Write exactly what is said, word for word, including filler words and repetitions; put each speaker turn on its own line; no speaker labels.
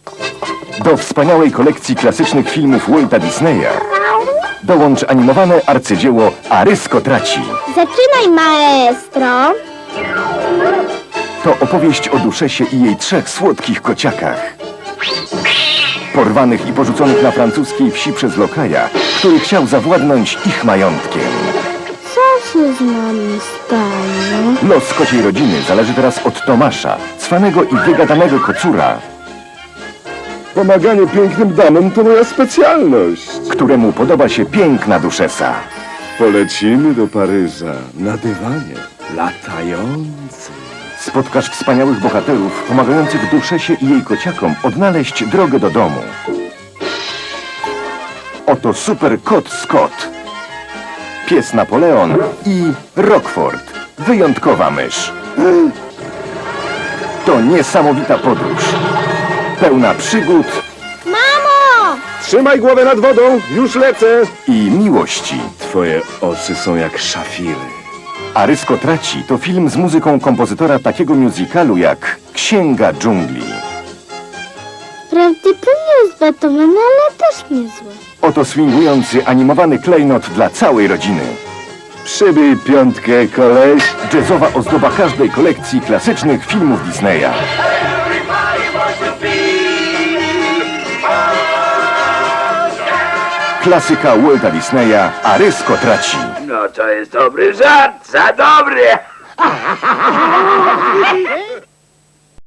Do wspaniałej kolekcji klasycznych filmów Walta Disneya dołącz animowane arcydzieło Arysko traci.
Zaczynaj, maestro.
To opowieść o Duszesie i jej trzech słodkich kociakach. Porwanych i porzuconych na francuskiej wsi przez lokaja, który chciał zawładnąć ich majątkiem.
Co się z nami stanie?
Los kociej rodziny zależy teraz od Tomasza, cwanego i wygadanego kocura,
Pomaganie pięknym damom to moja specjalność.
któremu podoba się piękna Duszesa.
Polecimy do Paryża na dywanie latający.
Spotkasz wspaniałych bohaterów pomagających Duszesie i jej kociakom odnaleźć drogę do domu. Oto super kot Scott, pies Napoleon i Rockford, wyjątkowa mysz. To niesamowita podróż, pełna przygód
Mamo!
Trzymaj głowę nad wodą, już lecę.
i miłości.
Twoje oczy są jak szafiry.
Arysko traci to film z muzyką kompozytora takiego musicalu jak Księga dżungli.
Prawdopodobnie jest Batman, ale też niezły.
Oto swingujący animowany klejnot dla całej rodziny.
Przybij piątkę, koleś.
Jazzowa ozdoba każdej kolekcji klasycznych filmów Disneya. Klasyka Walta Disneya Arysko traci.
No to jest dobry żart, za dobry!